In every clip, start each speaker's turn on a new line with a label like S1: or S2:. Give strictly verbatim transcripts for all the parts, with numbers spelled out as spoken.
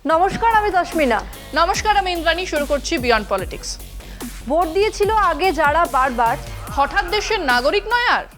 S1: নমস্কার, আমি দশমিনা।
S2: নমস্কার, আমি ইন্দ্রাণী। শুরু করছি বিয়ন্ড পলিটিক্স।
S1: ভোট দিয়েছিল আগে যারা বারবার,
S2: হঠাৎ দেশের নাগরিক নয় আর।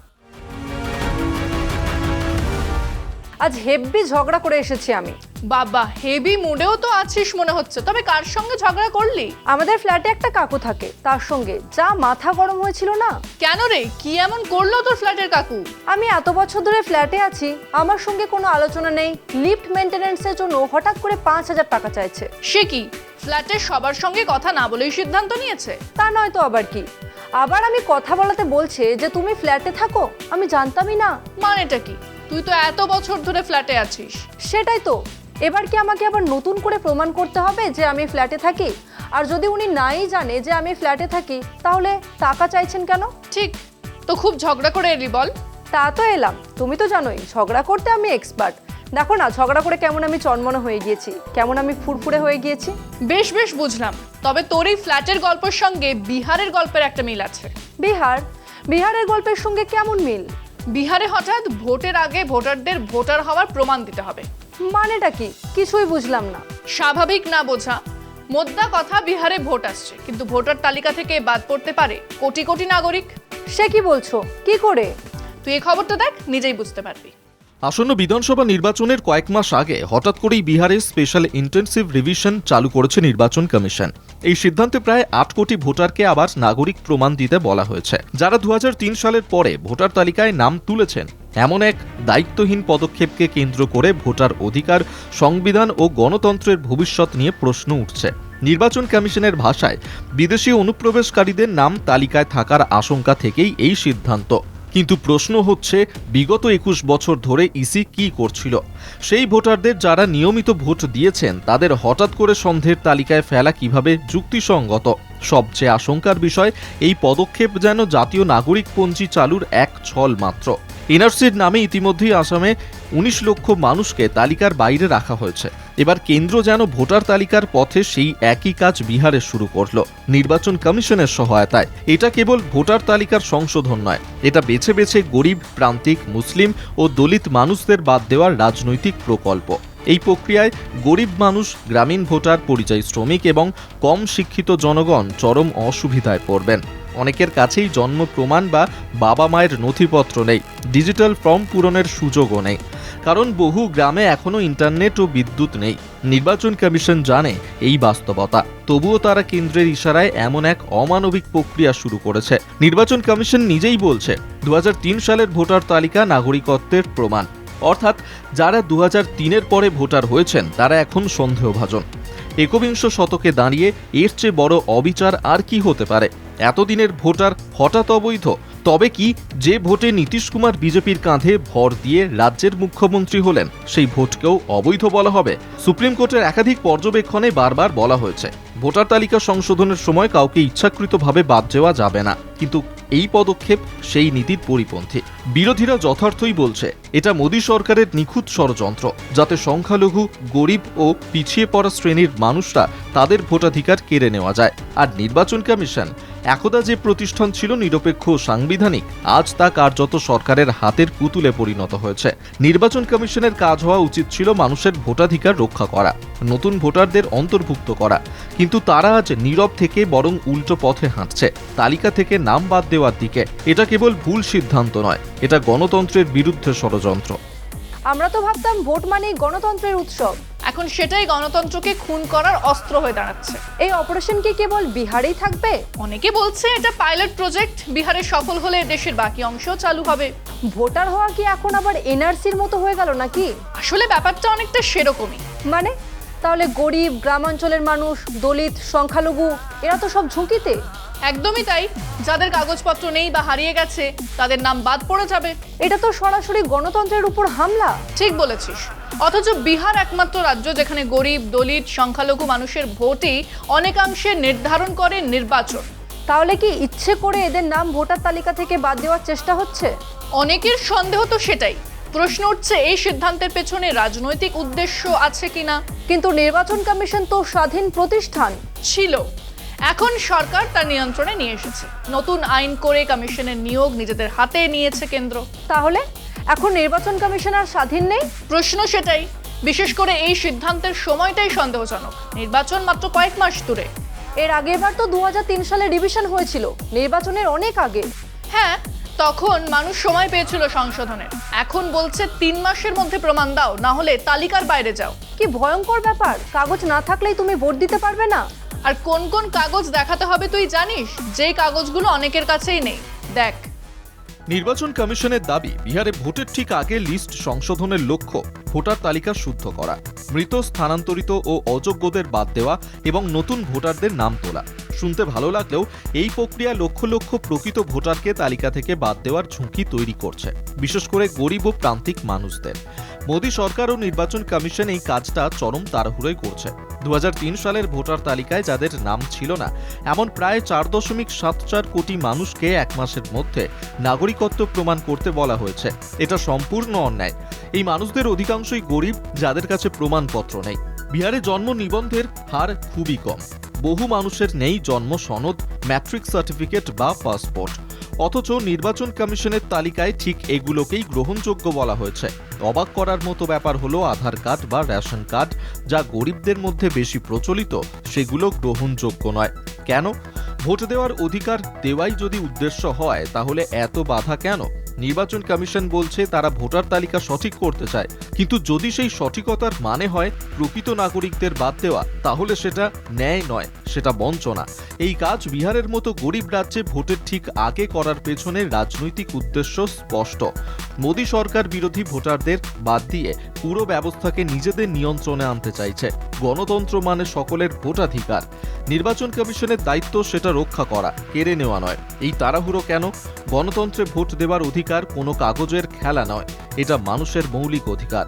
S1: আজ হেব্বি ঝগড়া করে এসেছি আমি।
S2: বাবা, হেভি মুডেও তো আছিস মনে হচ্ছে। তবে কার সঙ্গে ঝগড়া করলি?
S1: আমাদের ফ্ল্যাটে একটা কাকু থাকে, তার সঙ্গে যা মাথা গরম হয়েছিল না।
S2: কেন রে, কি এমন করলো তোর ফ্ল্যাটের কাকু?
S1: আমি এত বছর ধরে ফ্ল্যাটে আছি, আমার সঙ্গে কোনো আলোচনা নেই। লিফট মেইনটেনেন্সের জন্য হঠাৎ করে পাঁচ হাজার টাকা চাইছে।
S2: সে কি, ফ্ল্যাটের সবার সঙ্গে কথা না বলেই সিদ্ধান্ত নিয়েছে?
S1: তা নয় তো আবার কি। আবার আমি কথা বলাতে বলছে যে তুমি ফ্ল্যাটে থাকো, আমি জানতামই না।
S2: মানেটা কি? তুই তো এত বছর ধরে ফ্ল্যাটে আছিস।
S1: সেটাই তো, এবার কি আমাকে আবার নতুন করে প্রমাণ করতে হবে যে আমি ফ্ল্যাটে থাকি? আর যদি উনি নাই জানে যে আমি ফ্ল্যাটে থাকি, তাহলে টাকা চাইছেন কেন?
S2: ঠিক তো, খুব ঝগড়া করে এলি বল?
S1: তা তো এলাম, তুমি তো জানোই ঝগড়া করতে আমি এক্সপার্ট। দেখো না ঝগড়া করে কেমন আমি চনমনে হয়ে গিয়েছি, কেমন আমি ফুরফুরে হয়ে গিয়েছি।
S2: বেশ বেশ বুঝলাম। তবে তোর এই ফ্ল্যাটের গল্পের সঙ্গে বিহারের গল্পের একটা মিল আছে।
S1: বিহার? বিহারের গল্পের সঙ্গে কেমন মিল?
S2: বিহারে হঠাৎ ভোটের আগে ভোটারদের ভোটার হওয়ার প্রমাণ দিতে হবে।
S1: মানেটা কি? কিছুই বুঝলাম না।
S2: স্বাভাবিক না বোঝা? মোদ্দা কথা, বিহারে ভোট আসছে, কিন্তু ভোটার তালিকা থেকে বাদ পড়তে পারে কোটি কোটি নাগরিক।
S1: সে কি বলছো? কি করে?
S2: তুই এই খবরটা দেখ, নিজেই বুঝতে পারবি।
S3: আসন্ন বিধানসভা নির্বাচনের কয়েক মাস আগে হঠাৎ করেই বিহারে স্পেশাল ইন্টেনসিভ রিভিশন চালু করেছে নির্বাচন কমিশন। এই সিদ্ধান্তে প্রায় আট কোটি ভোটারকে আবার নাগরিক প্রমাণ দিতে বলা হয়েছে। যারা দু হাজার তিন সালের পরে ভোটার তালিকায় নাম তুলেছেন, এমন এক দায়িত্বহীন পদক্ষেপকে কেন্দ্র করে ভোটার অধিকার, সংবিধান ও গণতন্ত্রের ভবিষ্যৎ নিয়ে প্রশ্ন উঠছে। নির্বাচন কমিশনের ভাষায়, বিদেশি অনুপ্রবেশকারীদের নাম তালিকায় থাকার আশঙ্কা থেকেই এই সিদ্ধান্ত। কিন্তু প্রশ্ন হচ্ছে, বিগত একুশ বছর ধরে ইসি কি করছিল? সেই ভোটারদের যারা নিয়মিত ভোট দিয়েছেন, তাদের হঠাৎ করে সন্দেহের তালিকায় ফেলা কিভাবে যুক্তিসঙ্গত? সবচেয়ে আশঙ্কার বিষয়, এই পদক্ষেপ যেন জাতীয় নাগরিকপঞ্জি চালুর এক ছল মাত্র। এনআরসির নামে ইতিমধ্যেই আসামে উনিশ লক্ষ মানুষকে তালিকার বাইরে রাখা হয়েছে। এবার কেন্দ্র যেন ভোটার তালিকার পথে সেই একই কাজ বিহারে শুরু করল, নির্বাচন কমিশনের সহায়তায়। এটা কেবল ভোটার তালিকার সংশোধন নয়, এটা বেছে বেছে গরিব, প্রান্তিক, মুসলিম ও দলিত মানুষদের বাদ দেওয়ার রাজনৈতিক প্রকল্প। এই প্রক্রিয়ায় গরিব মানুষ, গ্রামীণ ভোটার, পরিযায়ী শ্রমিক এবং কম শিক্ষিত জনগণ চরম অসুবিধায় পড়বেন। অনেকের কাছেই জন্ম প্রমাণ বা বাবা মায়ের নথিপত্র নেই, ডিজিটাল ফর্ম পূরণের সুযোগও নেই, কারণ বহু গ্রামে এখনও ইন্টারনেট ও বিদ্যুৎ নেই। নির্বাচন কমিশন জানে এই বাস্তবতা, তবুও তারা কেন্দ্রের ইশারায় এমন এক অমানবিক প্রক্রিয়া শুরু করেছে। নির্বাচন কমিশন নিজেই বলছে, দু হাজার তিন সালের ভোটার তালিকা নাগরিকত্বের প্রমাণ, অর্থাৎ যারা দু হাজার তিনের পরে ভোটার হয়েছেন তারা এখন সন্দেহভাজন। একবিংশ শতকে দাঁড়িয়ে এর চেয়ে বড় অবিচার আর কি হতে পারে? এতদিনের ভোটার হঠাৎ অবৈধ? তবে কি যে ভোটে নীতিশ কুমার বিজেপির কাঁধে ভর দিয়ে রাজ্যের মুখ্যমন্ত্রী হলেন, সেই ভোটকেও অবৈধ বলা হবে? সুপ্রিম কোর্টের একাধিক পর্যবেক্ষণে বারবার বলা হয়েছে, ভোটার তালিকা সংশোধনের সময় কাউকে ইচ্ছাকৃতভাবে বাদ দেওয়া যাবে না, কিন্তু এই পদক্ষেপ সেই নীতির পরিপন্থী। বিরোধীরা যথার্থই বলছে, এটা মোদী সরকারের নিখুঁত ষড়যন্ত্র, যাতে সংখ্যালঘু, গরিব ও পিছিয়ে পড়া শ্রেণীর মানুষরা তাদের ভোটাধিকার কেড়ে নেওয়া যায়। আর নির্বাচন কমিশন, একদা যে প্রতিষ্ঠান ছিল নিরপেক্ষ ও সাংবিধানিক, আজ তা কার্যত সরকারের হাতের পুতুলে পরিণত হয়েছে। নির্বাচন কমিশনের কাজ হওয়া উচিত ছিল মানুষের ভোটাধিকার রক্ষা করা, নতুন ভোটারদের অন্তর্ভুক্ত করা, কিন্তু তারা আজ নীরব থেকে বরং উল্টো পথে হাঁটছে, তালিকা থেকে নাম বাদ দেওয়ার দিকে। এটা কেবল ভুল সিদ্ধান্ত নয়, এটা গণতন্ত্রের বিরুদ্ধে ষড়যন্ত্র।
S1: আমরা তো ভাবতাম ভোট মানেই গণতন্ত্রের উৎসব,
S2: এখন সেটাই গণতন্ত্রকে খুন করার অস্ত্র হয়ে দাঁড়াচ্ছে।
S1: এই অপারেশন কি কেবল বিহারেই থাকবে?
S2: অনেকে বলছে এটা পাইলট প্রজেক্ট, বিহারে সফল হলে দেশের বাকি অংশও চালু হবে।
S1: ভোটার হওয়া কি এখন আবার এনআরসির মতো হয়ে গেল নাকি?
S2: আসলে ব্যাপারটা অনেকটা সেরকমই।
S1: মানে তাহলে গরিব, গ্রামাঞ্চলের মানুষ, দলিত, সংখ্যালঘু এরা তো সব ঝুঁকিতে।
S2: একদমই তাই। যাদের কাগজপত্র নেই বা হারিয়ে গেছে, তাদের নাম বাদ পড়ে যাবে।
S1: এটা তো সরাসরি গণতন্ত্রের উপর হামলা।
S2: ঠিক বলেছিস। অথচ বিহার একমাত্র রাজ্য যেখানে গরিব, দলিত, সংখ্যালঘু মানুষের ভোটই অনেকাংশে নির্ধারণ করে নির্বাচন।
S1: তাহলে কি ইচ্ছে করে এদের নাম ভোটার তালিকা থেকে বাদ দেওয়ার চেষ্টা হচ্ছে?
S2: অনেকের সন্দেহ তো সেটাই। প্রশ্ন উঠছে, এই সিদ্ধান্তের পেছনে রাজনৈতিক উদ্দেশ্য আছে কিনা।
S1: কিন্তু নির্বাচন কমিশন তো স্বাধীন প্রতিষ্ঠান
S2: ছিল, এখন সরকার তার নিয়ন্ত্রণে নিয়ে এসেছে। নতুন আইন করে কমিশনের নিয়োগ নিজেদের হাতে নিয়েছে কেন্দ্র।
S1: তাহলে এখন নির্বাচন কমিশন আর স্বাধীন নেই?
S2: প্রশ্ন সেটাই। বিশেষ করে এই সিদ্ধান্তের সময়টাই সন্দেহজনক। নির্বাচন মাত্র কয়েক মাস দূরে।
S1: এর আগেরবার তো দু হাজার তিন সালে ডিভিশন হয়েছিল, নির্বাচনের অনেক আগে।
S2: হ্যাঁ, তখন মানুষ সময় পেয়েছিল সংশোধনের। এখন বলছে তিন মাসের মধ্যে প্রমাণ দাও, না হলে তালিকার বাইরে যাও।
S1: কি ভয়ঙ্কর ব্যাপার! কাগজ না থাকলেই তুমি ভোট দিতে পারবে না।
S2: আর কোন কোন কাগজ দেখাতে হবে তুই জানিস? যেই কাগজগুলো অনেকের কাছেই নেই। দেখ,
S3: নির্বাচন কমিশনের দাবি, বিহারে ভোটের ঠিক আগে লিস্ট সংশোধনের লক্ষ্য ভোটার তালিকা শুদ্ধ করা, মৃত, স্থানান্তরিত ও অযোগ্যদের বাদ দেওয়া এবং নতুন ভোটারদের নাম তোলা। শুনতে ভালো লাগলেও এই প্রক্রিয়া লক্ষ লক্ষ প্রকৃত ভোটারকে তালিকা থেকে বাদ দেওয়ার ঝুঁকি তৈরি করছে, বিশেষ করে গরিব ও প্রান্তিক মানুষদের। মোদী সরকার ও নির্বাচন কমিশন এই কাজটা চরম তাড়াহুড়োয় করছে। দু হাজার তিন সালের ভোটার তালিকায় যাদের নাম ছিল না, এমন প্রায় চার দশমিক সাত চার কোটি মানুষকে এক মাসের মধ্যে নাগরিকত্ব প্রমাণ করতে বলা হয়েছে। এটা সম্পূর্ণ অন্যায়। এই মানুষদের অধিকাংশই গরিব, যাদের কাছে প্রমাণপত্র নেই। বিহারে জন্ম নিবন্ধের হার খুবই কম। বহু মানুষের নেই জন্ম সনদ, ম্যাট্রিক সার্টিফিকেট বা পাসপোর্ট। অথচ নির্বাচন কমিশনের তালিকায় ঠিক এগুলোকেই গ্রহণযোগ্য বলা হয়েছে। অবাক করার মতো ব্যাপার হলো আধার কার্ড বা রেশন কার্ড, যা গরিবদের মধ্যে বেশি প্রচলিত, সেগুলো গ্রহণযোগ্য নয়। কেন? ভোট দেওয়ার অধিকার দেওয়াই যদি উদ্দেশ্য হয়, তাহলে এত বাধা কেন? নির্বাচন কমিশন বলছে তারা ভোটার তালিকা সঠিক করতে চায়, কিন্তু যদি সেই সঠিকতার মানে হয় প্রকৃত নাগরিকদের বাদ দেওয়া, তাহলে সেটা ন্যায় নয়, সেটা বঞ্চনা। এই কাজ বিহারের মতো গরিব রাজ্যে ভোটের ঠিক আগে করার পেছনে রাজনৈতিক উদ্দেশ্য স্পষ্ট। মোদী সরকার বিরোধী ভোটারদের বাদ দিয়ে পুরো ব্যবস্থাকে নিজেদের নিয়ন্ত্রণে আনতে চাইছে। গণতন্ত্র মানে সকলের ভোটাধিকার। নির্বাচন কমিশনের দায়িত্ব সেটা রক্ষা করা, কেড়ে নেওয়া নয়। এই তাড়াহুড়ো কেন? গণতন্ত্রে ভোট দেওয়ার অধিকার কোনো কাগজের খেলা নয়, এটা মানুষের মৌলিক অধিকার।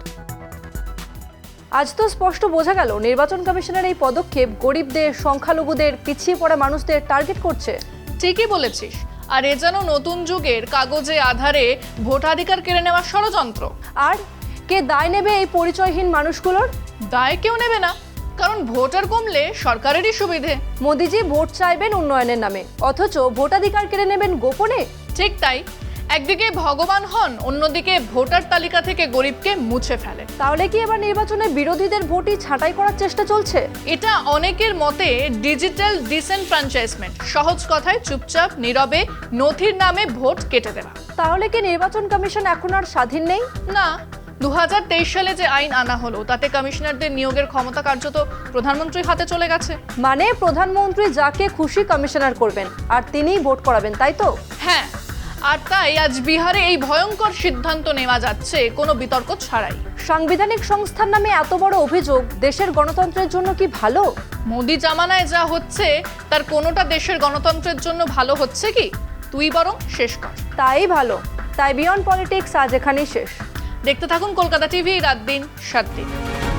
S1: আজ তো স্পষ্ট বোঝা গেল নির্বাচন কমিশনের এই পদক্ষেপ গরিবদের, সংখ্যালঘুদের, পিছিয়ে পড়া মানুষদের টার্গেট করছে।
S2: ঠিকই বলেছিস। আর এ যেন নতুন যুগের কাগজে আধারে ভোটাধিকার কেড়ে নেওয়ার ষড়যন্ত্র।
S1: আর কে দায় নেবে এই পরিচয়হীন মানুষগুলোর?
S2: দায় কেউ নেবে না, কারণ ভোটার কমলে সরকারেরই সুবিধে।
S1: মোদিজি ভোট চাইবেন উন্নয়নের নামে, অথচ ভোটাধিকার কেড়ে নেবেন গোপনে।
S2: ঠিক তাই। একদিকে ভগবান হন, অন্যদিকে ভোটার তালিকা থেকে গরিবকে মুছে ফেলে।
S1: তাহলে কি এবার নির্বাচনে বিরোধীদের ভোটই ছাঁটাই করার চেষ্টা চলছে?
S2: এটা অনেকের মতে ডিজিটাল ডিসেনফ্র্যাঞ্চাইজমেন্ট। সহজ কথায় চুপচাপ নীরবে নথির নামে ভোট কেটে দেওয়া।
S1: তাহলে কি নির্বাচন কমিশন এখন আর স্বাধীন নেই?
S2: না, দু হাজার তেইশ সালে যে আইন আনা হলো, তাতে কমিশনারদের নিয়োগের ক্ষমতা কার্যত প্রধানমন্ত্রীর হাতে চলে গেছে।
S1: মানে প্রধানমন্ত্রী যাকে খুশি কমিশনার করবেন, আর তিনিই ভোট করাবেন, তাই তো?
S2: হ্যাঁ, আর তাই আজ বিহারে এই ভয়ঙ্কর সিদ্ধান্ত নেওয়া যাচ্ছে কোনো বিতর্ক ছাড়াই।
S1: সাংবিধানিক সংস্থার নামে এত বড় অভিযোগ দেশের গণতন্ত্রের জন্য কি ভালো?
S2: মোদি জামানায় যা হচ্ছে তার কোনোটা দেশের গণতন্ত্রের জন্য ভালো হচ্ছে কি? তুই বরং শেষ কর।
S1: তাই ভালো। তাই বিয়ন্ড পলিটিক্স আজ এখানেই শেষ।
S2: দেখতে থাকুন কলকাতা টিভি, রাত দিন সাত দিন।